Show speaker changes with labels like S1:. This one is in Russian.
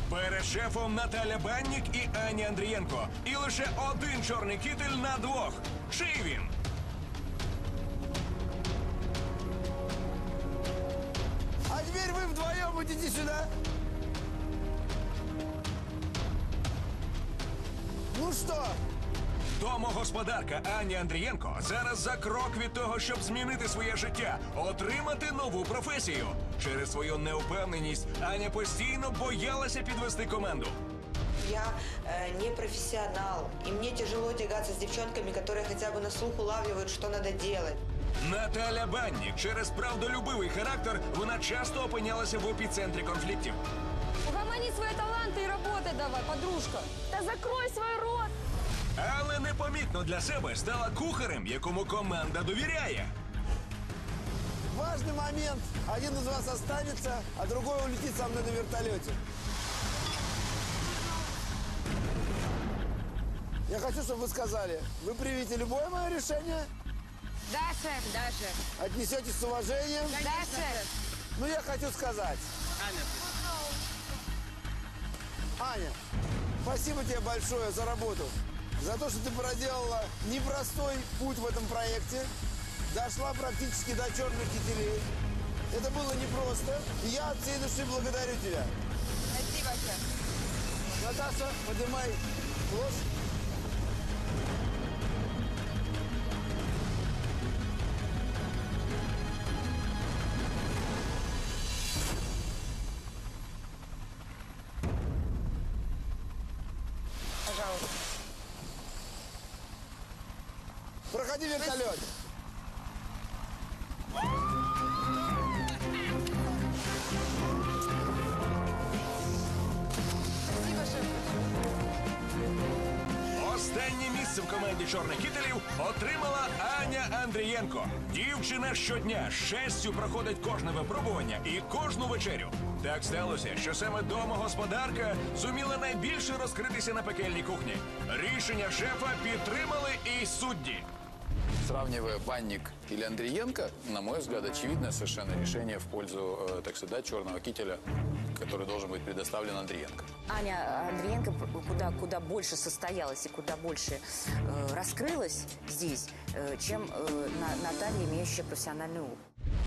S1: Перед шефом Наталя Баннік і Аня Андрієнко. І лише один чорний кітель на двох. Чий він?
S2: А теперь вы вдвоем идите сюда. Ну что?
S1: Домогосподарка Аня Андрієнко зараз за крок від того, щоб змінити своє життя, отримати нову професію. Через свою неупевненість Аня постійно боялася підвести команду.
S3: Я не профессионал, и мне тяжело тягаться с девчонками, которые хотя бы на слух улавливают, что надо делать.
S1: Наталя Баннік через правдолюбивий характер вона часто опинялася в епіцентрі конфліктів.
S4: Угомони свои таланты и работай давай, подружка. Да закрой свой рот!
S1: Але непомітно для себе стала кухарем, якому команда довіряє.
S2: Важный момент. Один из вас останется, а другой улетит со мной на вертолете. Я хочу, чтобы вы сказали, вы примете любое мое решение,
S4: Да, шеф. Да, шеф.
S2: отнесетесь с уважением.
S4: Да, шеф.
S2: Но я хочу сказать. Аня, спасибо тебе большое за работу. За то, что ты проделала непростой путь в этом проекте. Дошла практически до черных кителей. Это было непросто. И я от всей души благодарю тебя.
S4: Спасибо, шеф.
S2: Наташа, поднимай ложь.
S4: Пожалуйста.
S2: Проходи вертолет.
S4: Спасибо, шеф.
S1: Останнє місце в команді чорних кітелів отримала Аня Андрієнко. Дівчина щодня з честю проходить кожне випробування і кожну вечерю. Так сталося, що саме домогосподарка зуміла найбільше розкритися на пекельній кухні. Рішення шефа підтримали і судді.
S5: Сравнивая Банник или Андриенко, на мой взгляд, очевидное совершенно решение в пользу, так сказать, черного кителя, который должен быть предоставлен Андриенко.
S6: Аня Андриенко куда больше состоялась и куда больше раскрылась здесь, чем Наталья, имеющая профессиональный опыт.